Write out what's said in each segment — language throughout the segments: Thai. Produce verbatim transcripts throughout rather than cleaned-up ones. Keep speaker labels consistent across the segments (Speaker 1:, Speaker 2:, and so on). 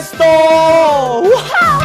Speaker 1: สโตว้าว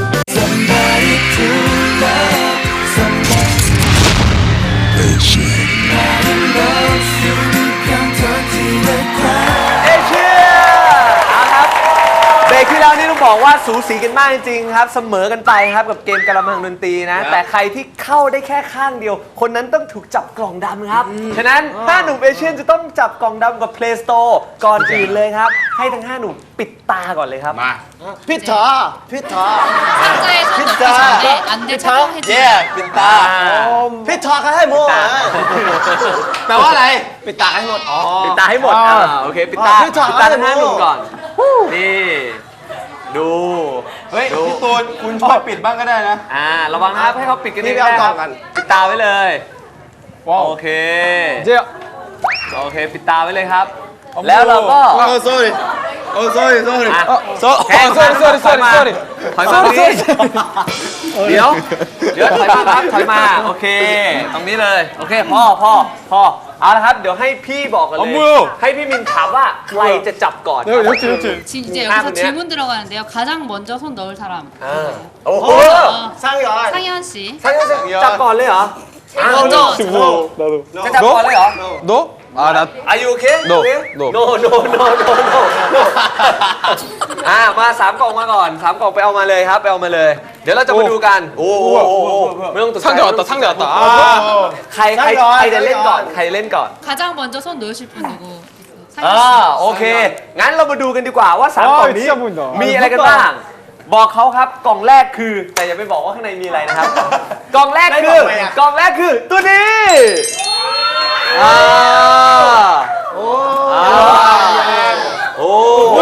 Speaker 1: ที่แล้วนี่ต้องบอกว่าสูสีกันมากจริงๆครับเสมอกันไปครับกับเกมกะละมังดนตรีนะแต่ใครที่เข้าได้แค่ข้างเดียวคนนั้นต้องถูกจับกล่องดำครับฉะนั้นห้าหนุ่มเอเชียนจะต้องจับกล่องดำกับ Play Store ก่อนอื่นเลยครับให้ทั้งห้าหนุ่มปิดตาก่อนเลยครับมาพิธาพิธา
Speaker 2: 상자에 손 넣기 전에 안대 착용해주세요.
Speaker 1: เย่ปิดตาพิธาให้หมดแปลว่าอะไรปิดตาให้หมดอ๋อปิดตาให้หมดอ่าโอเคปิดตาปิดตาทั้งห้าหนุ่มก่อนนี่ดูเฮ้ยพี่ตูนคุณช่วยปิดบ้างก็ได้นะอ่าระวังนะครับให้เขาปิดกันเองนะครับปิดตาไว้เลยโอเคเจ้าโอเคปิดตาไว้เลยครับแล้วเราก็โอ้ sorry โอ้ sorry sorry โซ่ sorry sorry sorry sorry ถอยมาตรงนี้เดี๋ยวเดี๋ยวถอยมาครับถอยมาโอเคตรงนี้เลยโอเคพ่อพ่อพ่อเอาละครับเดี๋ยวให้พี่บอกกันเลยให้พี่มินถามว่าใครจะจับก่อน
Speaker 2: 지, 이제 여기서 질문 들어가는데요. 가장 먼저 손 넣을 사람.
Speaker 1: โอ้โห
Speaker 2: 상현. 상현 씨.
Speaker 1: จับก่อนเลยเหรอ
Speaker 2: 먼저.
Speaker 1: จะจับก่อนเลยเหรอ
Speaker 3: 너? 아, 나.
Speaker 1: Are you okay?
Speaker 3: No.
Speaker 1: No. No no no no no. อ่ามาสามกล่องมาก่อนสามกล่องไปเอามาเลยครับไปเอามาเลยเดี๋ยวเราจะมาดูกันโอ้โหไม่ต้องตกใจ
Speaker 3: 상자 왔다, 상자 왔다. 아.
Speaker 1: ใครใครใครจะเล่นก่อนใครเล่นก่อน
Speaker 2: 가장 먼저 손 넣으실 분 누구?
Speaker 1: อ่าโอเคงั้นเรามาดูกันดีกว่าว่าสามกล่องนี้มีอะไรกันบ้างบอกเขาครับกล่องแรกคือแต่อย่าไปบอกว่าข้างในมีอะไรนะครับกล่องแรกคือกล่องแรกคือตัวนี้อ่าโอ้โอ้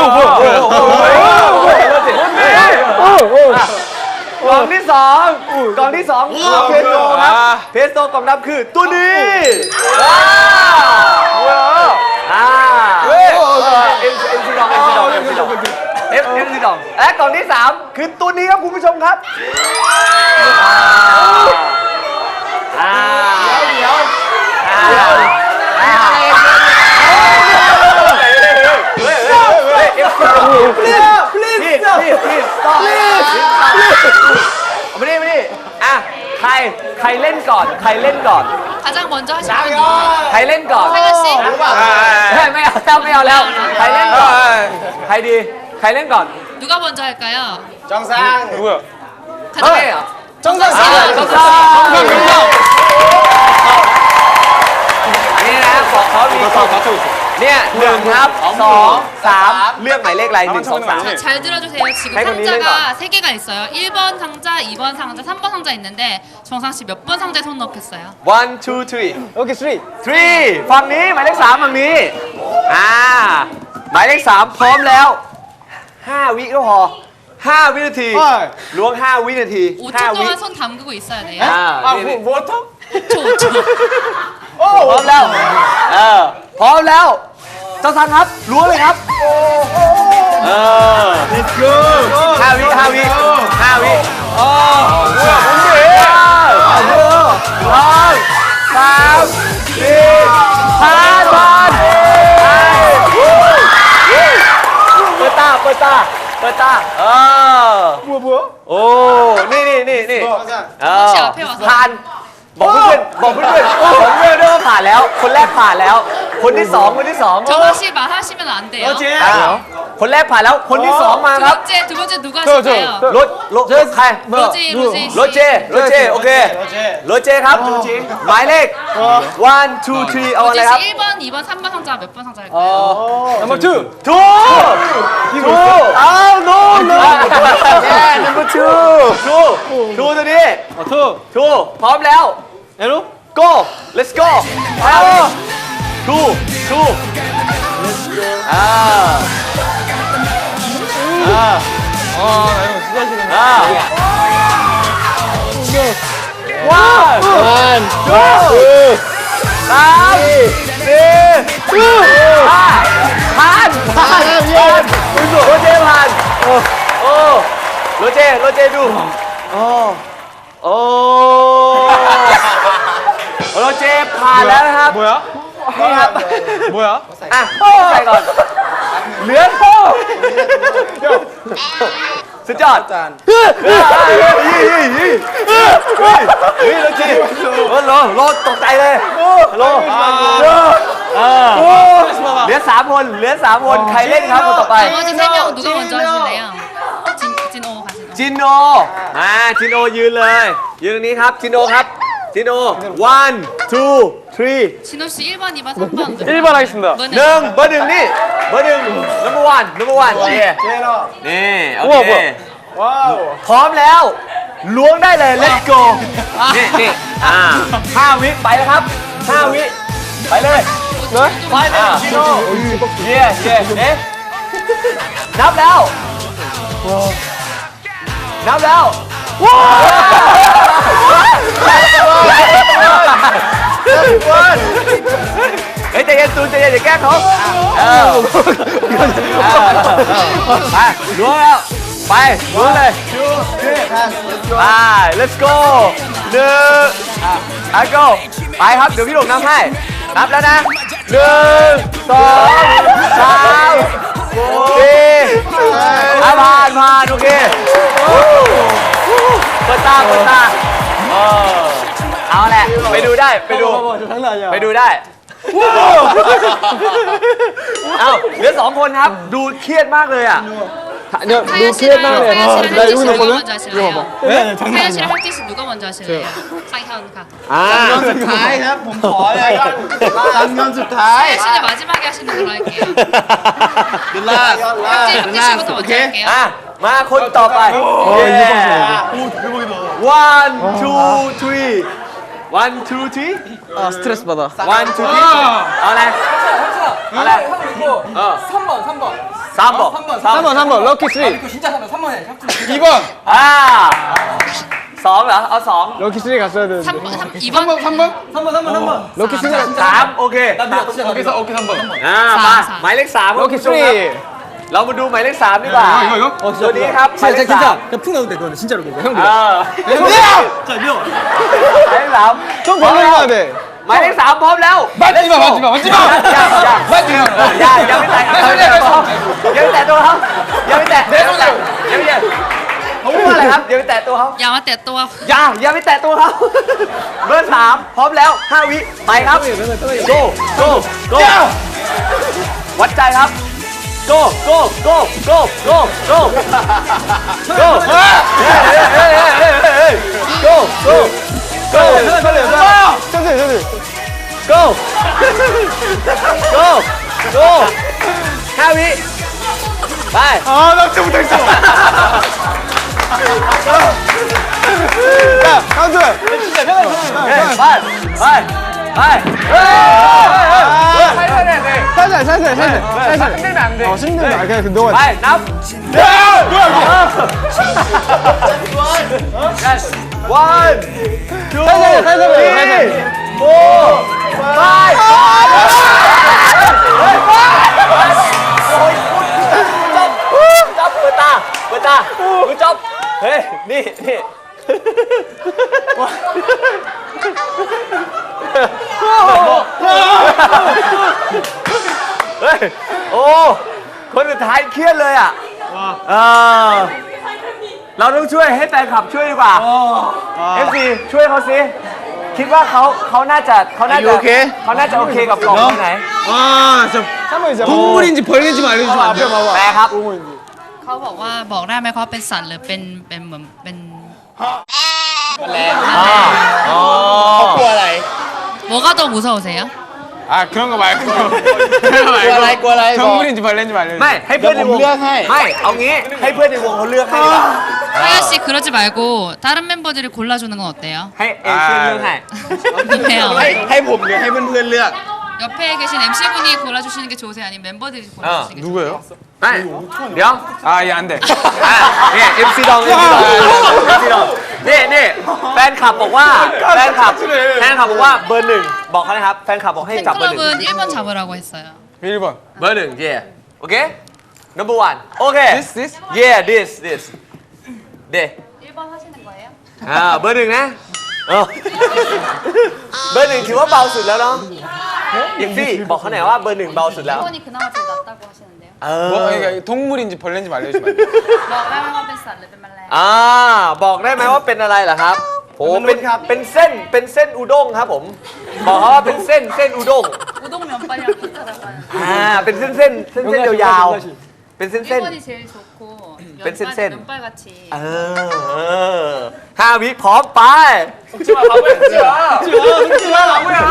Speaker 1: กล่องที่สองกล่องที่สองเพสโตครับเพสโตกล่องดำคือตัวนี้อ่าเอ็มเอ็มซีดองเอ็มซีดองเอ็มซีดองเอฟเอ็มซีดองและกล่องที่สามคือตัวนี้ครับคุณผู้ชมครับอ่าเดี๋ยวเดี๋ยวไม่ได้ไม่ได้อ่ะใครใครเล่นก่อนใครเล่นก่อน
Speaker 2: 가장 먼저 하실 분 누구?
Speaker 1: ใครเล่นก่อน
Speaker 2: 상현 씨.
Speaker 1: ไม่ไม่เอาแล้วไม่เอาแล้วใครเล่นก่อนใครดีใครเล่นก่อน
Speaker 2: 누가 먼저 할까요?
Speaker 3: 정상. 누구야?
Speaker 2: 가장
Speaker 1: 해요.
Speaker 2: 정상 씨.
Speaker 1: จงซนี่นะบอกเขามีกล่องเนี่ยหนึ่งครับสองสามเลือกหมายเลขอะไรหนึ่งสองสาม
Speaker 2: 자, 잘 들어주세요. 지금 상자가 세 개가 있어요. 일 번 상자, 이 번 상자, 삼 번 상자 있는데 정상 씨 몇 번 상자에 손 넣겠어요?
Speaker 1: one two three
Speaker 3: 오케이, three.
Speaker 1: three ฝั่งนี้หมายเลขสามฝั่งนี้อ่าหมายเลขสามพร้อมแล้วห้าวิก็พอห้าวินาทีล้วงห้าวินาที
Speaker 2: 오 초
Speaker 1: ห้าวิ
Speaker 2: 동안 손 담그고 있어야 돼요.
Speaker 1: อ่า
Speaker 3: 아,
Speaker 1: นี่
Speaker 3: 뭐, 뭐, 또?
Speaker 2: 오 초, 오 초.
Speaker 1: พร้อมแล้วเออพร้อมแล้วเจ้าสันครับล้วงเลยครับเออ
Speaker 3: Let's go.
Speaker 1: ห้าวิห้าวิห้าวิโอ้โหสองสามสี่ห้าบอลเปิดตาเปิดตาเปิดตาเออ
Speaker 3: 뭐야, 뭐야?
Speaker 1: โอ้นี่นี่นี่นี่เออ
Speaker 2: 혹시 앞에 와서
Speaker 1: ผ่านบอกเพื่อนบอกเพื่อนบอกเพื่อนด้วยว่าผ่านแล้วคนแรกผ่านแล้วคนที่สองคนที่สอง
Speaker 2: 정상 씨 말하시면 안 돼요.
Speaker 1: อ่าคนแรกผ่านแล้วคนที่สองมา
Speaker 2: 두
Speaker 1: ครับ
Speaker 2: 번째, 두 번째 누가 하실까요?
Speaker 1: รถรถใคร
Speaker 2: 로지, 로지
Speaker 1: รถเจ
Speaker 2: 씨.
Speaker 1: รถเจโอเครถเจครับหมายเลข one two three เอาอะไร
Speaker 2: 로지
Speaker 1: ครับ
Speaker 2: 씨 일 번, 이 번, 삼 번 상자 몇 번 상자 할까요?
Speaker 3: Number two.
Speaker 1: ถูกถูกอ้าว no no yeah number two ถูกถูกตัวนี้
Speaker 3: 아, two.
Speaker 1: ถูกพร้อมแล้ว
Speaker 3: 에로?
Speaker 1: go let's go เอาถูกถูกอ่าอ่า
Speaker 3: 아, 나 이런 거 진짜 싫은데.
Speaker 1: อ่าว้าววันทูสามสี่ห้าผ่านผ่านผ่านโรเจผ่านโอ้โอ้โรเจโรเจดูโอ้โอ้โรเจผ่านแล้วนะครับ
Speaker 3: 뭐야?
Speaker 1: นี่ครับ
Speaker 3: 뭐야?
Speaker 1: อ่ะใส่ก่อนเหลือโป้
Speaker 3: 야,
Speaker 1: สุดยอด
Speaker 3: จาน
Speaker 1: เฮ้ยเฮ้ยเฮ้ยเฮ้ยเฮ้ยเฮ้ยเฮ้ยโรจิโรโรโรตกใจเลยโรเออเหลือสามคนเหลือสามคนใครเล่นครับคนต่อไป
Speaker 2: 나머지 세 명 누가 먼저 하실래요? 진, 진오 가시죠.
Speaker 1: จินโนมาจินโนยืนเลย ยืนตรงนี้ครับจินโนครับจินโน one two three
Speaker 2: 진호 씨 일 번, 이 번, 삼 번.
Speaker 3: 일 번 하겠습니다.
Speaker 1: หนึ่งเบอร์หนึ่งนี่เบอร์หนึ่ง number one number one นี่นี่โอเค
Speaker 3: 와우.
Speaker 1: พร้อมแล้วล้วงได้เลย let's go นี่นี่อ่าห้าวิไปแล้วครับห้าวิไปเลย ไปเลยจิโน่เย่เย่เอ๊ะนับแล้วนับแล้วว้าวเฮ้ยใจเย็นตูนใจเย็นอย่าแกล้งเขาเออไปล้วงแล้วไปล้วงเลยไป let's go หนึ่งอ่ะ go ไปครับเดี๋ยวพี่หลงนับให้นับแล้วนะหนึ่งสองสามสี่อ่ะผ่านผ่านโอเคเปิดตาเปิดตาเออเอาแหละไปดูได้ไปดูไปดูได้เอ้าเหลือสองคนครับดูเครียดมากเลยอ่ะ
Speaker 2: 타야 씨랑 타야 씨랑 혜지 씨 누가 먼저 하실래요? 타야 씨랑 혜지 씨 누가 먼저 하실래요? 상현 가.
Speaker 1: อ่า
Speaker 3: สุดท้ายครับผมขอเลยตอนเงินสุดท้าย
Speaker 2: 타야 씨는 마지막에 하시는 걸로 할게요.
Speaker 3: เดลล่า
Speaker 2: 혜지, 혜지 씨부터 먼저 할게요.
Speaker 1: อ่ะมาคนต่อไป one two three one two three
Speaker 3: 아 스트레스 받아.
Speaker 1: one two three เอาอะไรเอาอะไรเออ
Speaker 4: 삼 번, 삼 번.
Speaker 1: สามบอก
Speaker 3: 삼 번 삼 번 럭키 쓰리.
Speaker 4: 이거 진짜 삼 번, 삼 번 해.
Speaker 3: 이 번.
Speaker 1: อ่าสองเหรอเอาสอง
Speaker 3: 럭키 쓰리 갔어야 되는데.
Speaker 2: 삼 번, 삼, 이
Speaker 3: 삼 번
Speaker 2: 번.
Speaker 3: 삼 번.
Speaker 4: 삼 번, 삼 번, 삼 번.
Speaker 3: 럭키 쓰리.
Speaker 1: สามโอเค
Speaker 4: 나 진짜, 진짜.
Speaker 3: 오케이 오케이 삼 번.
Speaker 1: อ่า
Speaker 2: สาม
Speaker 1: มา
Speaker 2: สาม
Speaker 1: หมายเลขสามครับ
Speaker 3: 럭키
Speaker 1: คุณผู้ชมครับ
Speaker 3: 쓰리.
Speaker 1: เรามาดูหมายเลขสามดีกว่า
Speaker 3: 이거 이거?
Speaker 1: ตัวนี้ครับหมายเลขสาม
Speaker 4: 그냥 푹 넣어도 돼, 그거는. 진짜로 그거. 형
Speaker 1: เอ
Speaker 4: 믿어.
Speaker 1: อ
Speaker 3: 형!
Speaker 4: 자, 믿어.
Speaker 1: หมายเลขสาม
Speaker 3: 좀 벌려야 돼.
Speaker 1: หมายเลขสามพร้อมแล้ว
Speaker 3: 맞지 마 맞지 마 맞지 마.
Speaker 1: อย่าอย่า
Speaker 3: 맞지 마.
Speaker 1: อย่าอย่าไปแตะอย่าไปแตะตัวเขาอย่าไปแตะตัวเขาอย่าไปแตะอย่าไปแตะเขาพูดว่าอะไรครับอย่าไปแตะตัวเขา
Speaker 2: 야마 때 또.
Speaker 1: อย่าอย่าไปแตะตัวเขาเบอร์สามพร้อมแล้วห้าวิไปครับ go go go วัดใจครับ go go go go go go go go go go
Speaker 3: 천천히 천천히.
Speaker 1: go go go ห้าวิไป
Speaker 3: 아나 진짜 못하겠어. 야 카운트.
Speaker 1: เฮ้ยไปไปไปเฮ้ย
Speaker 3: 살살 살살 살살 살살.
Speaker 1: 힘들면 안 돼.
Speaker 3: 어 힘들면 안 그냥 너가.
Speaker 1: ไปนับ
Speaker 3: 야! 뭐야 이거?
Speaker 1: one two
Speaker 3: 살살 살살
Speaker 1: three
Speaker 3: 살살.
Speaker 1: four five จับเปิดตาเปิดตาคุณจับเฮ้ยนี่นี่เฮ้ยโอ้คนสุดท้ายเครียดเลยอ่ะเออเราต้องช่วยให้แฟนคลับช่วยดีกว่า เอฟซีช่วยเขาสิคิดว่าเขาเขาน่าจะเขาน่าจะ
Speaker 3: Are you okay?
Speaker 1: เขาน่าจะโอเคกับกล่องที่ไหน
Speaker 3: 아 진짜. 한번 이제 동물인지 벌레인지만 알려주시면 안 돼요? 앞에 봐봐.
Speaker 1: แปลครับ
Speaker 3: 동물인지.
Speaker 2: เขาบอกว่าบอกได้ไหมเขาเป็นสัตว์หรือเป็นเป็นเหมือนเป็น
Speaker 1: อ๋อ
Speaker 3: 꼬아라이.
Speaker 2: 뭐가 더 무서우세요?
Speaker 3: 아 그런 거 말고. 그런 거 말고.
Speaker 4: 꼬아라이, 꼬아라이.
Speaker 3: 동물인지 벌레인지 알려주세요.
Speaker 1: ไม่ให้เพื่อนในวง
Speaker 3: เลือกให้
Speaker 1: ไม่เอางี้ให้เพื่อนในวงเขาเลือกให้ดีกว่า
Speaker 2: 타야 씨 그러지 말고 다른 멤버들이 골라주는 건 어때요?
Speaker 1: ให้เอเชียนเลือกให้
Speaker 2: 어때요?
Speaker 3: ให้ผมหรือให้เพื่อนๆเลือก
Speaker 2: 옆에 계신 엠씨분이 골라주시는 게 좋으세요? 아니면 멤버들이 골라주시는 게 좋으세요?
Speaker 3: 누구예요?
Speaker 1: ไม่เดี๋ยว
Speaker 3: 아얘 안 돼.
Speaker 1: อ่ะเนี่ยเอ็มซีดองเอ็มซีดองเอ็มซีดองนี่นี่แฟนคลับบอกว่าแฟนคลับแฟนคลับบอกว่าเบอร์หนึ่งบอกเขานะครับแฟนคลับบอกให้จับเบอร์หนึ่ง
Speaker 2: 팬클럽은 일 번 잡으라고 했어요.
Speaker 3: 일 번.
Speaker 1: เบอร์หนึ่ง yeah โอเค number one โอเค
Speaker 3: This this.
Speaker 1: yeah this this เด
Speaker 2: 일 번 하시는 거예요?
Speaker 1: อ่าเบอร์หนึ่งนะเออเบอร์หนึ่งถือว่าเบาสุดแล้วเนาะอย่างพี่บอกเขาหน่อยว่าเบอร์หนึ่งเบาสุดแล้ว
Speaker 2: 일 번이 그나마 제일 낫다고 하시는데요.
Speaker 1: เอ
Speaker 3: 뭐
Speaker 1: อ
Speaker 3: 그러니까 동물인지 벌레인지 알려주면 안 돼요?
Speaker 2: บอกได้ไหมว่าเป็นสัตว์หรือเป็นแมลง
Speaker 1: อ่าบอกได้ไหมว่าเป็นอะไรเหรอครับโอ้เป็นเป็นเส้นเป็นเส้นอุด้งครับผมบอกเขาว่าเป็นเส้นเส้นอุด้ง
Speaker 2: 우동 면발이랑 비슷하다고요.
Speaker 1: อ่าเป็นเส้นเส้นเส้นเส้นยาวๆเป็นเส้นเส้น
Speaker 2: 일본이 제일 좋고
Speaker 1: 뺀 센, 센.
Speaker 2: 면발, 면발같이
Speaker 1: เออห้าวิพร้อมไป
Speaker 4: 지마 바보야 지마 지마 바보야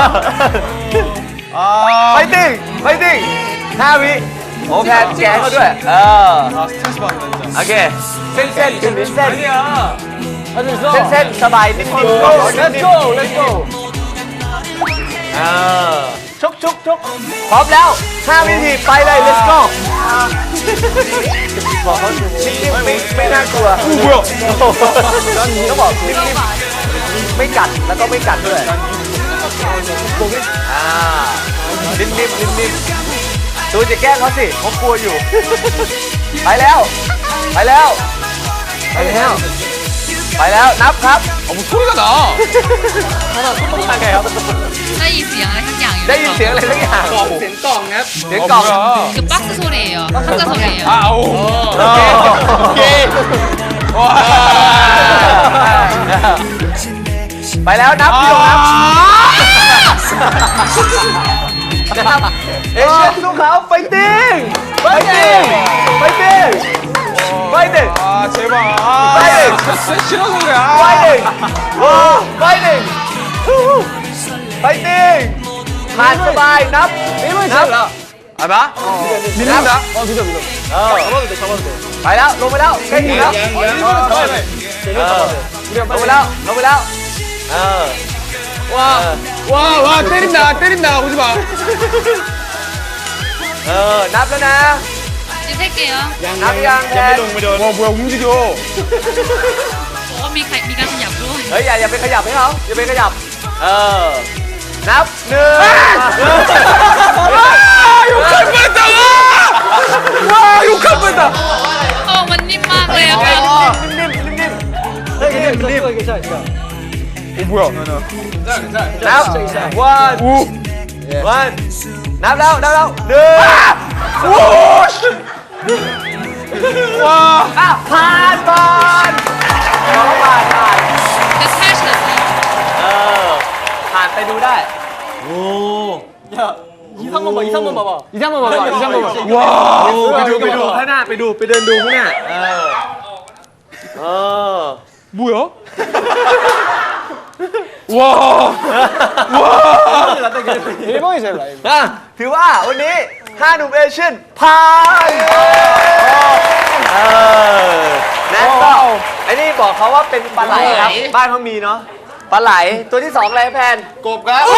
Speaker 1: ไปติ้งไปติ้งห้าวิโอ้แพนแกงเขาด้วยเออ
Speaker 3: 아 스트레스 받는다 진짜
Speaker 1: โอเคเส้นเส้นเป็นเส้น
Speaker 4: 아니야 할 수 있어
Speaker 1: เส้นเส้นสบายนิดนิด
Speaker 4: Let's go Let's go
Speaker 1: เออชุกชุกชุกพร้อมแล้วห้าวินาทีไปเลย let's go บอกเขานิ่มๆไม่ไม่น่ากลัว
Speaker 3: 오 뭐야
Speaker 1: ก็บอกนิ่มๆไม่กัดแล้วก็ไม่กัดด้วยอ่านิ่มๆนิ่มๆตูนจะแกล้งเขาสิเขากลัวอยู่ ไปแล้ว ไปแล้ว ไปแล้ว ไปแล้วนับครับ
Speaker 3: 아 뭐 소리가 나
Speaker 1: ทำไงครับ
Speaker 2: ได้ยินเสียงอะไรสักอย่างอยู่
Speaker 1: ได้ยินเสียงอะไรสักอย่าง
Speaker 4: เสียงกล่องครับ
Speaker 1: เสียง
Speaker 3: 아
Speaker 1: กล่อง
Speaker 3: 뭐야
Speaker 2: 그 박스 소리예요. 상자 소리예요.
Speaker 3: 아오 오케이 오케이 와
Speaker 1: ไปแล้วนับพี่โดนับ
Speaker 3: 아
Speaker 1: นะครับเอเชียนสู้เขาไฟติ้งไฟติ้งไฟติ้งไฟติ้ง
Speaker 3: 아 제발
Speaker 1: 빨리!
Speaker 3: 아 스트레스 싫어서 그래
Speaker 1: ไฟ
Speaker 3: 아
Speaker 1: ติ้งโอ้ไฟติ้งไฟติ้งผ่านสบายนับนับเอาปะ
Speaker 3: 밀린다
Speaker 4: เออ믿어 믿어
Speaker 1: เออ
Speaker 4: 잡아도 돼 잡아도 돼
Speaker 1: ไปแล้วลงไปแล้วแค่นี้แล้ว
Speaker 4: 일본은 잡아야 돼
Speaker 1: เออลงไปแล้วลงไปแล้วเออ
Speaker 3: 와와 때린다 때린다 오지마
Speaker 1: เออนับแล้วนะ
Speaker 2: 이제 셀게요.
Speaker 1: นับยังแทน
Speaker 3: 와 뭐야 움직여
Speaker 2: 어, 미, 가, 미가 좀 약로.
Speaker 1: เฮ้ยอย่าอย่าไปขยับให้เขาอย่าไปขยับเออนับหนึ่ง
Speaker 3: 와 욕할 뻔했다 와 욕할 뻔했다
Speaker 2: 어, 원님 막을 약간.
Speaker 1: นิ่มๆนิ่มๆเฮ้ยนิ่มๆนิ่ม
Speaker 4: 이거 괜찮아 괜찮아
Speaker 3: 오 뭐야
Speaker 1: ๆนับ one
Speaker 3: 오
Speaker 1: one นับแล้วนับแล้วหนึ่ง
Speaker 3: 와
Speaker 1: อ่ะผ่านผ่านเอาผ่านผ่าน
Speaker 2: 근데 살시 났어요.
Speaker 1: เออผ่านไปดูได้
Speaker 4: 야 이상만 봐 이상만 봐봐 이상만 봐봐 이상만 봐
Speaker 3: 와
Speaker 1: ไปดูไปดูข้างหน้าไปดูไปเดินดูข้างหน้าเออเออ
Speaker 3: 뭐야 와
Speaker 4: 일본이 제일 나이
Speaker 1: อ่ะถือว่าวันนี้ห้าหนุ่มเอเชียนผ่านเออนะก็ไอ้นี่บอกเขาว่าเป็นปลาไหลครับบ้านเขามีเนาะปลาไหลตัวที่สองอะไรแพนกบครับ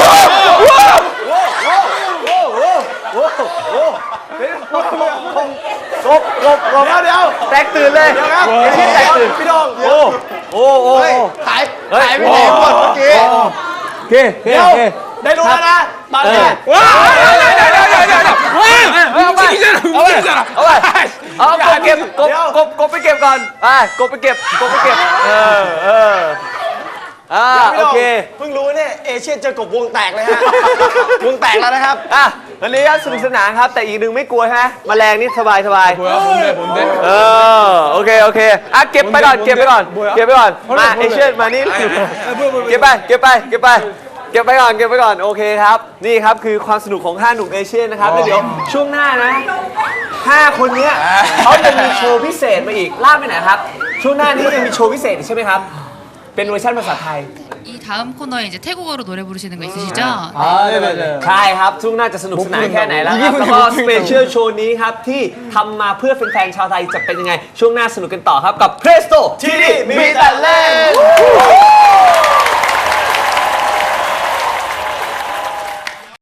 Speaker 1: กบกบกบเดี๋ยวเดี๋ยวแตกตื่นเลยเดี๋ยวครับไอ้ที่แตกตื่นพี่ดองโอ้โอ้โอ้หายหายไปไหนหมดเมื่อกี้
Speaker 3: 오케이
Speaker 1: เดี๋ยวได้รู้แล้วนะมาเลย
Speaker 3: 와 야야야야야야 와 움직이잖아 움직이잖아
Speaker 1: เอาไปเอากบเก็บกบกบกบไปเก็บก่อนไปกบไปเก็บกบไปเก็บเออเอออ่าโอเค
Speaker 5: เพิ่งรู้เนี่ยเอเชียนเจอกบวงแตกเลยฮะ วงแตกแล้วนะครับ
Speaker 1: อ่ะวันนี้ก็สนุกสนานครับแต่อีกหนึ่งไม่กลัวฮะแมลงนี่สบายสบาย
Speaker 3: 뭐야 뭔데 뭔데
Speaker 1: เออโอเคโอเคอ่ะเก็บไปก่อนเก็บไปก่อนเก็บไปก่อนมาเอเชียนมานี่เก็บไปเก็บไปเก็บไปเก็บไปก่อนเก็บไปก่อนโอเคครับนี่ครับคือความสนุกของห้าหนุ่มเอเชียนนะครับแล้วเดี๋ยวช่วงหน้านะห้าคนเนี้ยเขาจะมีโชว์พิเศษมาอีกล่าไปไหนครับช่วงหน้านี้ยังมีโชว์พิเศษอีกใช่ไหมครับเป็นเวอร์ชันภาษาไทย
Speaker 2: 이 다음 코너에 이제 태국어로 노래 부르시는 거 있으시죠?
Speaker 4: 아 네네네
Speaker 1: ใช่ครับช่วงหน้าจะสนุกสนานแค่ไหนแล้วครับแล้วก็สเปเชียลโชว์นี้ครับที่ทำมาเพื่อแฟนๆชาวไทยจะเป็นยังไงช่วงหน้าสนุกกันต่อครับกับ Presto ทีดี